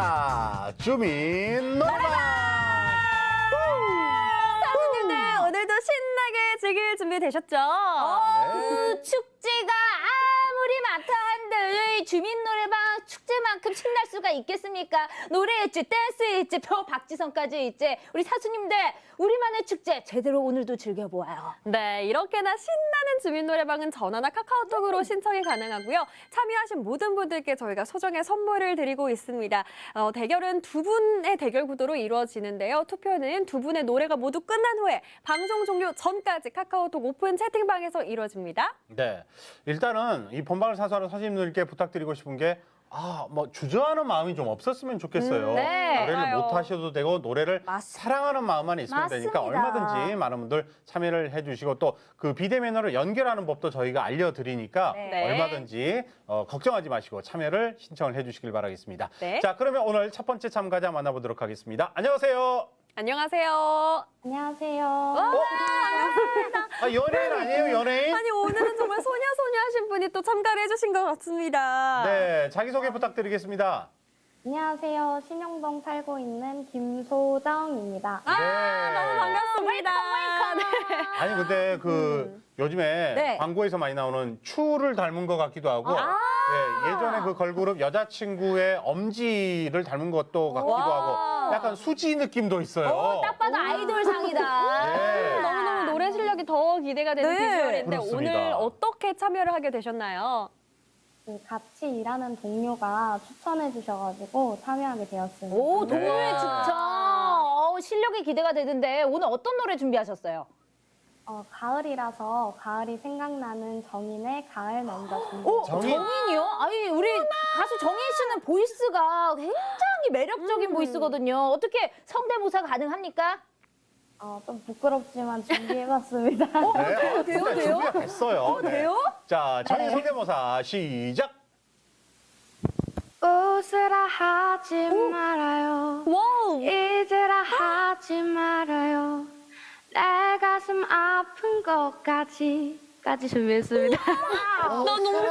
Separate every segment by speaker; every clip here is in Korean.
Speaker 1: 자, 주민 노래방!
Speaker 2: 사부님들 오늘도 신나게 즐길 준비 되셨죠?
Speaker 1: 네.
Speaker 3: 축제가 아무리 많다 한들 주민 노래방 축제만큼 신날 수가 있겠습니까? 노래 있지, 댄스 있지, 박지성까지 있지. 우리 사수님들 우리만의 축제 제대로 오늘도 즐겨보아요.
Speaker 2: 네, 이렇게나 신나는 주민 노래방은 전화나 카카오톡으로 신청이 가능하고요. 참여하신 모든 분들께 저희가 소정의 선물을 드리고 있습니다. 대결은 두 분의 대결 구도로 이루어지는데요. 투표는 두 분의 노래가 모두 끝난 후에 방송 종료 전까지 카카오톡 오픈 채팅방에서 이루어집니다.
Speaker 1: 네. 일단은 이 본방을 사수하는 선생님들께 부탁드리고 싶은 게 주저하는 마음이 좀 없었으면 좋겠어요.
Speaker 3: 네.
Speaker 1: 노래를
Speaker 2: 맞아요.
Speaker 1: 못 하셔도 되고 노래를 사랑하는 마음만 있으면 되니까
Speaker 3: 맞습니다.
Speaker 1: 얼마든지 많은 분들 참여를 해주시고 또 그 비대면으로 연결하는 법도 저희가 알려드리니까
Speaker 3: 네.
Speaker 1: 얼마든지 걱정하지 마시고 참여를 신청을 해주시길 바라겠습니다.
Speaker 2: 네.
Speaker 1: 자, 그러면 오늘 첫 번째 참가자 만나보도록 하겠습니다. 안녕하세요.
Speaker 2: 안녕하세요.
Speaker 3: 안녕하세요.
Speaker 1: 연예인 아니에요, 연예인?
Speaker 2: 아니, 오늘은 정말 소녀소녀 하신 분이 또 참가를 해주신 것 같습니다.
Speaker 1: 네, 자기소개 부탁드리겠습니다.
Speaker 4: 안녕하세요. 신영동 살고 있는 김소정입니다.
Speaker 2: 너무 반갑습니다.
Speaker 1: 아니 근데 요즘에
Speaker 3: 네.
Speaker 1: 광고에서 많이 나오는 추를 닮은 것 같기도 하고 예전에 그 걸그룹 여자친구의 엄지를 닮은 것도 같기도 하고 약간 수지 느낌도 있어요.
Speaker 3: 딱 봐도 아이돌상이다.
Speaker 1: 네.
Speaker 2: 너무너무 노래 실력이 더 기대가 되는
Speaker 3: 네.
Speaker 2: 비주얼인데
Speaker 1: 그렇습니다.
Speaker 2: 오늘 어떻게 참여를 하게 되셨나요?
Speaker 4: 같이 일하는 동료가 추천해 주셔가지고 참여하게 되었습니다.
Speaker 3: 오,
Speaker 1: 네.
Speaker 3: 동료의 추천. 실력이 기대가 되는데 오늘 어떤 노래 준비하셨어요?
Speaker 4: 가을이라서 가을이 생각나는 정인의 가을 먼저
Speaker 3: 오,
Speaker 1: 정인?
Speaker 3: 정인이요? 아니, 우리 가수 정인 씨는 보이스가 굉장히 매력적인 보이스거든요. 어떻게 성대모사 가능합니까?
Speaker 4: 좀 부끄럽지만 준비해봤습니다.
Speaker 1: 네,
Speaker 3: 돼요?
Speaker 1: 준비가 됐어요. 네.
Speaker 3: 돼요?
Speaker 1: 자, 정인 성대모사 시작.
Speaker 4: 웃으라 하지 말아요.
Speaker 2: 와우!
Speaker 4: 잊으라 하지 말아요. 내 가슴 아픈 것까지 준비했습니다.
Speaker 2: 나 너무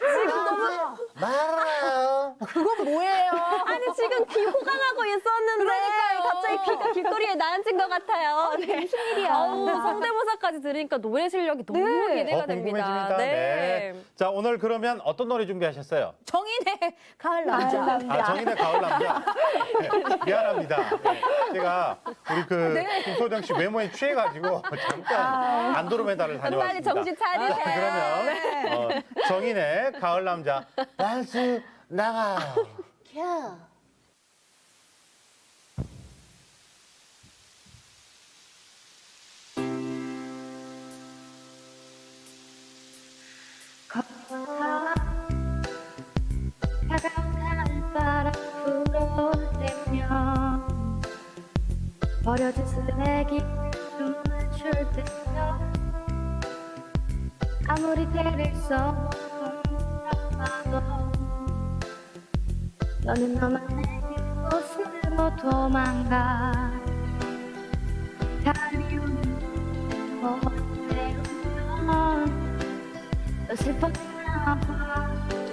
Speaker 1: 말아요.
Speaker 3: 그건 뭐예요?
Speaker 2: 아니 지금 귀 호강하고 있었는데
Speaker 3: 그러니까요.
Speaker 2: 갑자기 귀가 길거리에 나앉은 것 같아요. 네.
Speaker 3: 무슨 일이야?
Speaker 2: 아우, 성대모사까지 들으니까 노래 실력이 너무
Speaker 3: 네.
Speaker 2: 기대가
Speaker 1: 궁금해집니다. 네. 자, 오늘 그러면 어떤 노래 준비하셨어요?
Speaker 3: 정인의 가을 남자.
Speaker 1: 정인의 가을 남자. 네, 미안합니다. 네, 제가 우리 김소정 씨 외모에 취해가지고 잠깐 안드로메다를 다녀왔습니다.
Speaker 2: 빨리 정신 차리세요.
Speaker 1: 그러면 정인의 가을 남자 댄스 나가요.
Speaker 4: 차가운 바람 불어대며 버려진 쓰레기 춤을 출 때면 아무리 때를 써봐도 너는 너만의 곳으로 도망가 달이 오는 곳에 오면 너 슬펐나 봐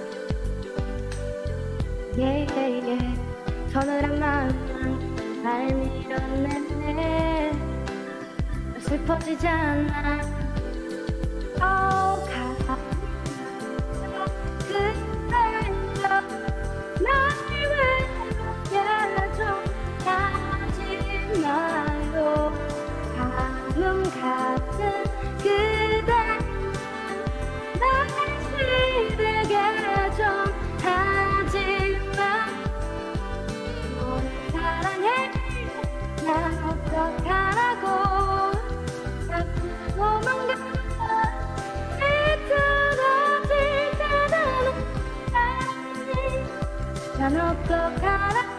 Speaker 4: 서늘한 마음만 날 밀어내네 너 슬퍼지지 않아 그대여 날 외롭게 좀 하지 마요 가뭄 같은 그대 날 시들게 좀 하지마 너를 사랑해 난 어떡하라고 자꾸 도망가 비틀어질 때는 난 어떡하라고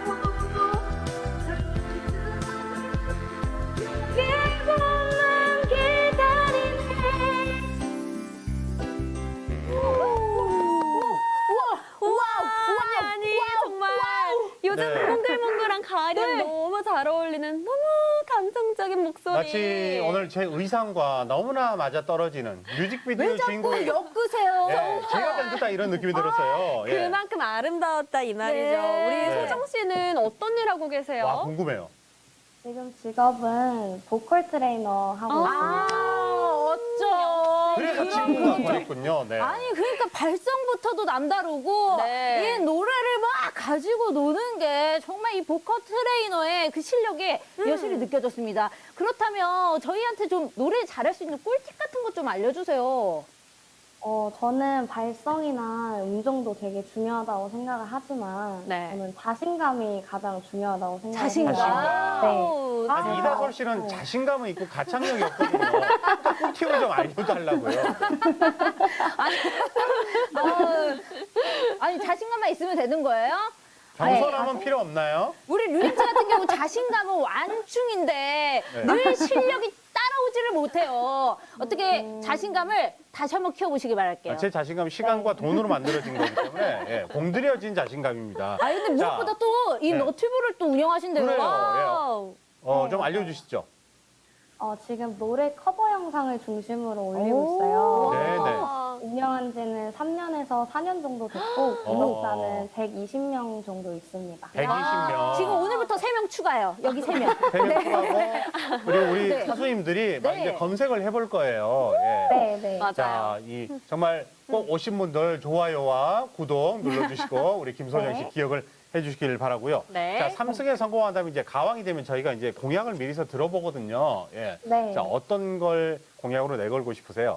Speaker 4: 길고만 기다리네
Speaker 2: 아니 정말 요즘
Speaker 1: 네.
Speaker 2: 몽글몽글한 가을이랑 너무 잘 어울리는 너무 감성적인 목소리
Speaker 1: 마치 오늘 제 의상과 너무나 맞아 떨어지는 뮤직비디오
Speaker 3: 왜 자꾸
Speaker 1: 주인공이
Speaker 3: 엮으세요?
Speaker 1: 예, 제가 된 듯한 이런 느낌이 들었어요. 예.
Speaker 2: 그만큼 아름다웠다 이 말이죠.
Speaker 3: 네.
Speaker 2: 우리
Speaker 1: 네.
Speaker 2: 소정 씨는 어떤 일 하고 계세요?
Speaker 1: 와 궁금해요.
Speaker 4: 지금 직업은 보컬 트레이너 하고 있습니다.
Speaker 3: 어쩜.
Speaker 1: 그래서 친구가 보냈군요. 네.
Speaker 3: 아니 그러니까 발성부터도 남다르고
Speaker 2: 네.
Speaker 3: 이 노래를 막 가지고 노는 게 정말 이 보컬 트레이너의 그 실력이 여실히 느껴졌습니다. 그렇다면 저희한테 좀 노래 잘할 수 있는 꿀팁 같은 것 좀 알려주세요.
Speaker 4: 저는 발성이나 음정도 되게 중요하다고 생각을 하지만
Speaker 2: 네.
Speaker 4: 저는 자신감이 가장 중요하다고 생각합니다.
Speaker 3: 자신감.
Speaker 4: 네.
Speaker 2: 오,
Speaker 1: 아니 이다솔 씨는 자신감은 있고 가창력이 없거든요. 꿀팁을 좀 알려달라고요.
Speaker 3: 아니 자신감만 있으면 되는 거예요?
Speaker 1: 겸손함은 필요 없나요?
Speaker 3: 우리 류림씨 같은 경우 자신감은 완충인데
Speaker 1: 네.
Speaker 3: 늘 실력이 따라오지를 못해요. 어떻게 자신감을 다시 한번 키워보시기 바랄게요.
Speaker 1: 제 자신감 시간과 돈으로 만들어진 거기 때문에 예, 공들여진 자신감입니다.
Speaker 3: 아 근데 무엇보다 또 이
Speaker 1: 네.
Speaker 3: 너튜브를 또 운영하신대요.
Speaker 1: 그래요.
Speaker 2: 와우.
Speaker 1: 좀 알려주시죠.
Speaker 4: 지금 노래 커버 영상을 중심으로 올리고 있어요.
Speaker 1: 네,
Speaker 4: 운영한 지는 3년에서 4년 정도 됐고 구독자는 120명 정도 있습니다.
Speaker 1: 120명.
Speaker 3: 지금 오늘부터 3명 추가요. 여기 3명.
Speaker 1: 3명 추가하고 그리고 우리
Speaker 3: 네.
Speaker 1: 사수님들이 막
Speaker 3: 네.
Speaker 1: 이제 검색을 해볼 거예요. 예.
Speaker 4: 네, 네.
Speaker 2: 맞아요.
Speaker 1: 자, 정말 꼭 오신 분들 좋아요와 구독 눌러주시고 우리 김소정 씨 기억을 해주시길 바라고요.
Speaker 2: 네.
Speaker 1: 자, 3승에 성공한다면 이제 가왕이 되면 저희가 이제 공약을 미리서 들어보거든요. 예.
Speaker 4: 네.
Speaker 1: 자, 어떤 걸 공약으로 내걸고 싶으세요?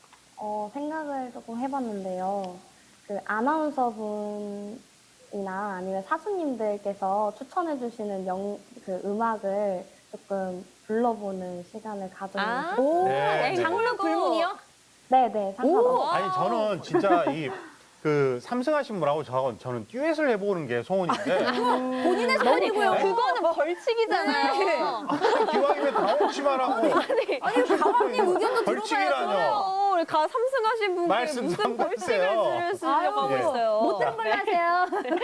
Speaker 4: 생각을 조금 해봤는데요. 그 아나운서 분이나 아니면 사수님들께서 추천해주시는 그 음악을 조금 불러보는 시간을 가져보고
Speaker 2: 아,
Speaker 4: 싶어요.
Speaker 3: 오,
Speaker 1: 네, 네.
Speaker 3: 장르 불문이요?
Speaker 4: 네네, 상관없어요.
Speaker 1: 아니 저는 진짜 그 삼승하신 분하고 저는 듀엣을 해보는 게 소원인데
Speaker 3: 본인의 소원이고요.
Speaker 1: 네.
Speaker 3: 그거는 뭐 벌칙이잖아요.
Speaker 1: 기왕이면 다홍치 말하고
Speaker 3: 아니, 가왕님 의견도
Speaker 1: 벌칙이라뇨.
Speaker 3: 들어봐야죠.
Speaker 2: 우리 삼승하신 분께
Speaker 1: 말씀
Speaker 2: 무슨
Speaker 1: 좀
Speaker 2: 벌칙을
Speaker 1: 하세요.
Speaker 2: 쓰려고 하고
Speaker 1: 예.
Speaker 2: 있어요.
Speaker 3: 못 들은 걸로 하세요.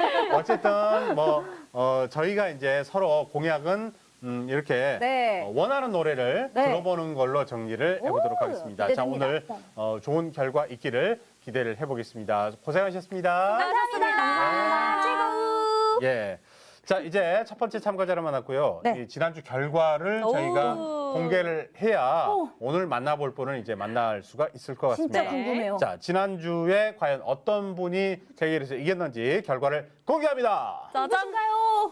Speaker 1: 어쨌든 저희가 이제 서로 공약은 이렇게
Speaker 3: 네.
Speaker 1: 원하는 노래를
Speaker 3: 네.
Speaker 1: 들어보는 걸로 정리를 해보도록
Speaker 3: 오,
Speaker 1: 하겠습니다. 자,
Speaker 3: 기대됩니다.
Speaker 1: 오늘 좋은 결과 있기를 기대를 해보겠습니다. 고생하셨습니다.
Speaker 2: 감사합니다. 최고.
Speaker 1: 예. 자, 이제 첫 번째 참가자를 만났고요.
Speaker 3: 네.
Speaker 1: 이 지난주 결과를
Speaker 2: 오.
Speaker 1: 저희가 공개를 해야 오늘 만나볼 분을 이제 만날 수가 있을 것 같습니다.
Speaker 3: 진짜
Speaker 2: 네.
Speaker 3: 궁금해요.
Speaker 1: 자, 지난주에 과연 어떤 분이 대결에서 이겼는지 결과를 공개합니다.
Speaker 2: 짜잔.
Speaker 3: 누군가요?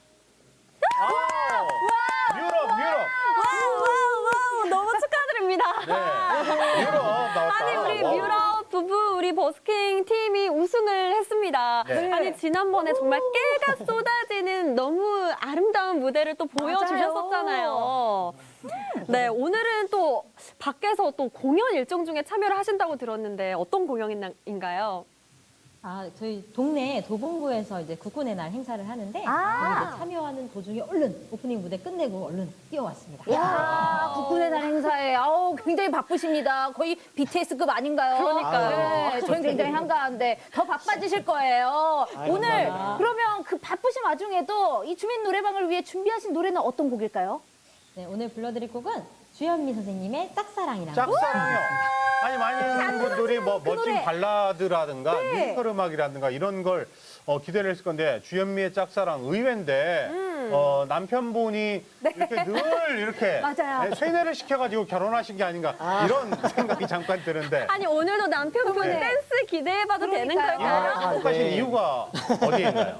Speaker 1: 유럽.
Speaker 2: 와우, 너무 축하드립니다.
Speaker 1: 네. 유럽 나왔다.
Speaker 2: 아니 우리
Speaker 1: 와우.
Speaker 2: 뮤럽 부부 우리 버스킹 팀이 우승을 했습니다.
Speaker 1: 네.
Speaker 2: 아니 지난번에 정말 깨가 쏟아지는 너무 아름다운 무대를 또 보여주셨었잖아요. 네, 오늘은 또 밖에서 또 공연 일정 중에 참여를 하신다고 들었는데 어떤 공연인가요?
Speaker 5: 저희 동네 도봉구에서 이제 국군의 날 행사를 하는데
Speaker 3: 아.
Speaker 5: 거기 이제 참여하는 도중에 얼른 오프닝 무대 끝내고 얼른 뛰어왔습니다.
Speaker 3: 야 국군의 날 행사에 굉장히 바쁘십니다. 거의 BTS급 아닌가요?
Speaker 2: 그러니까요.
Speaker 3: 네, 저희 굉장히 한가한데 더 바빠지실 거예요. 오늘 그러면 그 바쁘신 와중에도 이 주민 노래방을 위해 준비하신 노래는 어떤 곡일까요?
Speaker 5: 네, 오늘 불러드릴 곡은 주현미 선생님의 짝사랑이라는
Speaker 1: 짝사랑이요. 아니 많은 분들이 뭐 멋진
Speaker 3: 노래.
Speaker 1: 발라드라든가
Speaker 3: 네.
Speaker 1: 뮤지컬 음악이라든가 이런 걸 기대를 했을 건데 주현미의 짝사랑 의외인데 남편분이 이렇게 늘 이렇게
Speaker 3: 맞아요.
Speaker 1: 네, 세뇌를 시켜가지고 결혼하신 게 아닌가 이런 생각이 잠깐 드는데
Speaker 2: 아니 오늘도 남편분
Speaker 1: 네.
Speaker 2: 댄스 기대해봐도 되는
Speaker 3: 그러니까요.
Speaker 2: 걸까요?
Speaker 1: 행복하신
Speaker 6: 네.
Speaker 1: 이유가 어디에 있나요?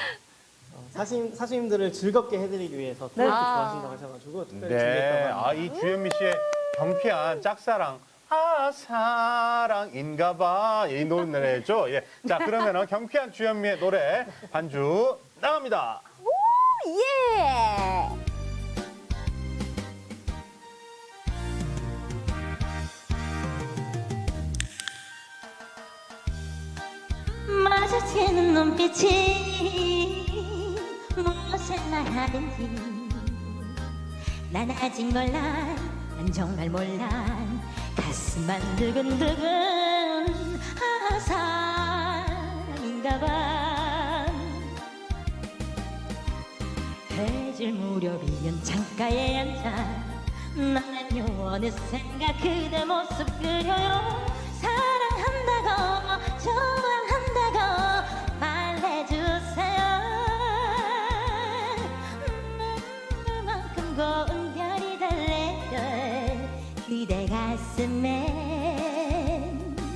Speaker 6: 사수님들을 즐겁게 해드리기 위해서 트로트 좋아하신다고 하셔가지고 특별히
Speaker 1: 네,
Speaker 6: 준비했다고 합니다.
Speaker 1: 이 주현미 씨의 경피한 짝사랑. 사랑인가봐 이 노래죠. 예. 자 그러면은 경피한 주현미의 노래 반주 나갑니다.
Speaker 3: 예!
Speaker 7: 마주치는 눈빛이 무엇을 말하는지 난 아직 몰라 난 정말 몰라 가슴만 두근두근 사랑인가봐 해질 무렵이면 창가에 앉아 나는요 어느샌가 그대 모습 그려요 사랑한다고 좋아한다고 말해주세요 눈만큼 고운 별이 달래요 그대 가슴에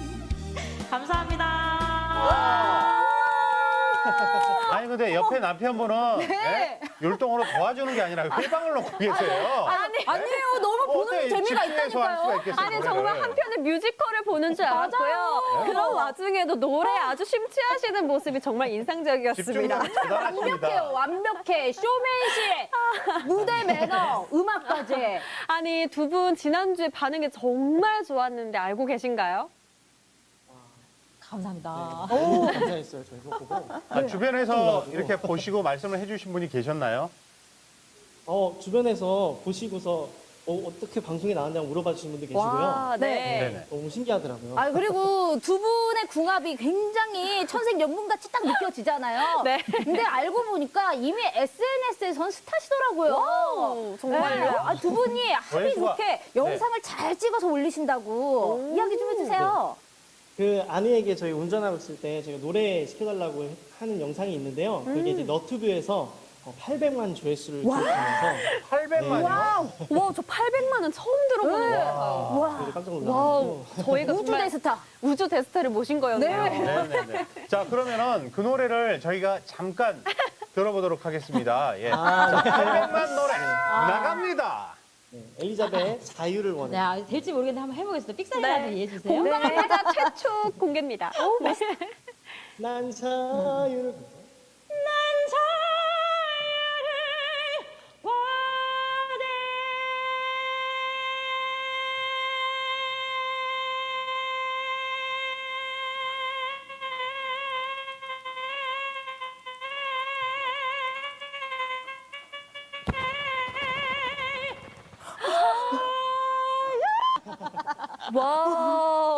Speaker 7: 감사합니다.
Speaker 1: 아니 근데 옆에 남편분은 네? 율동으로 도와주는 게 아니라 회방을 놓고 계세요.
Speaker 3: 아니에요. 너무 보는
Speaker 1: 어떻게
Speaker 3: 재미가
Speaker 1: 집중해서 할 수가
Speaker 3: 있다니까요.
Speaker 1: 있겠어요,
Speaker 2: 아니
Speaker 1: 노래를.
Speaker 2: 정말 한편의 뮤지컬을 보는 줄 알았고요. 그런 와중에도 노래에 아주 심취하시는 모습이 정말 인상적이었습니다.
Speaker 1: 집중력 대단하십니다.
Speaker 3: 완벽해요. 완벽해. 쇼맨십, 무대 매너, 음악까지.
Speaker 2: 아니 두 분 지난주에 반응이 정말 좋았는데 알고 계신가요?
Speaker 5: 감사합니다.
Speaker 6: 너무 감사했어요. 저희 그거 보고.
Speaker 1: 아, 주변에서 이렇게 보시고 말씀을 해주신 분이 계셨나요?
Speaker 6: 주변에서 보시고서 어떻게 방송에 나왔냐고 물어봐 주신 분도 계시고요.
Speaker 2: 와, 네.
Speaker 1: 네네.
Speaker 6: 너무 신기하더라고요.
Speaker 3: 아 그리고 두 분의 궁합이 굉장히 천생연분같이 딱 느껴지잖아요.
Speaker 2: 네.
Speaker 3: 근데 알고 보니까 이미 SNS에선 스타시더라고요.
Speaker 2: 와우, 정말요?
Speaker 3: 네. 두 분이 합이
Speaker 1: 조회수가-
Speaker 3: 좋게 영상을 잘 찍어서 올리신다고 이야기 좀 해주세요.
Speaker 6: 그 아내에게 저희 운전하고 있을 때 제가 노래 시켜달라고 하는 영상이 있는데요. 그게 이제 너튜브에서 800만 조회수를 기록하면서
Speaker 1: 800만이요?
Speaker 2: 와, 저 800만은 처음 들어보는 것 같아요.
Speaker 3: 와,
Speaker 6: 저희도 깜짝
Speaker 2: 와우,
Speaker 6: 놀라고
Speaker 2: 저희가
Speaker 3: 우주
Speaker 2: 정말
Speaker 3: 대스타.
Speaker 2: 우주 대스타를 모신 거였네요.
Speaker 1: 네네네. 자, 그러면은 그 노래를 저희가 잠깐 들어보도록 하겠습니다. 예.
Speaker 6: 아, 네.
Speaker 1: 800만 노래 나갑니다.
Speaker 6: 네, 엘리자벳 자유를 원해.
Speaker 5: 네, 아, 될지 모르겠는데 한번 해보겠습니다. 삑사리라도 이해해 주세요.
Speaker 2: 공방가자 최초 공개입니다.
Speaker 6: 난 자유를
Speaker 2: 와.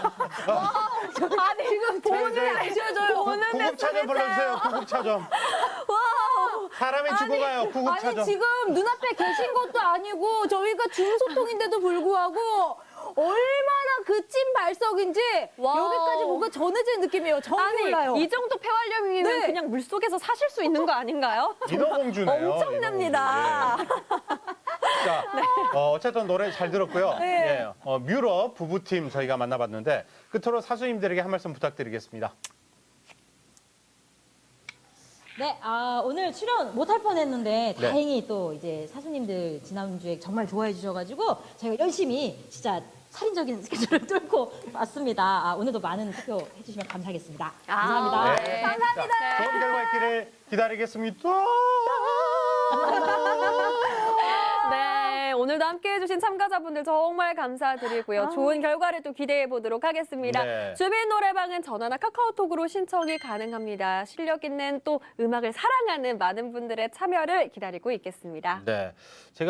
Speaker 3: 아니 지금 보는 눈이 안 쉬어져요.
Speaker 1: 구급차좀 불러주세요. 구급차좀. 사람이 죽어가요. 구급차좀.
Speaker 3: 아니 지금 눈앞에 계신 것도 아니고 저희가 중소통인데도 불구하고 얼마나 그 찐 발석인지
Speaker 2: 와우.
Speaker 3: 여기까지 뭔가 전해진 느낌이에요. 전 몰라요.
Speaker 2: 아니, 이 정도 폐활량이면
Speaker 3: 네.
Speaker 2: 그냥 물속에서 사실 수 있는 거 아닌가요?
Speaker 1: 인어공주네요.
Speaker 2: 엄청납니다.
Speaker 1: 자, 어쨌든 노래 잘 들었고요. 예, 뮤럽 부부팀 저희가 만나봤는데 끝으로 사수님들에게 한 말씀 부탁드리겠습니다.
Speaker 5: 네, 오늘 출연 못할 뻔했는데
Speaker 1: 네.
Speaker 5: 다행히 또 이제 사수님들 지난주에 정말 좋아해 주셔가지고 저희가 열심히 진짜 살인적인 스케줄을 뚫고 왔습니다. 오늘도 많은 투표 해주시면 감사하겠습니다. 감사합니다.
Speaker 1: 네. 감사합니다. 자, 좋은 결과 있기를 기다리겠습니다.
Speaker 2: 네, 오늘도 함께해 주신 참가자분들 정말 감사드리고요. 좋은 결과를 또 기대해 보도록 하겠습니다.
Speaker 1: 네.
Speaker 2: 주민 노래방은 전화나 카카오톡으로 신청이 가능합니다. 실력 있는 또 음악을 사랑하는 많은 분들의 참여를 기다리고 있겠습니다.
Speaker 1: 네. 제가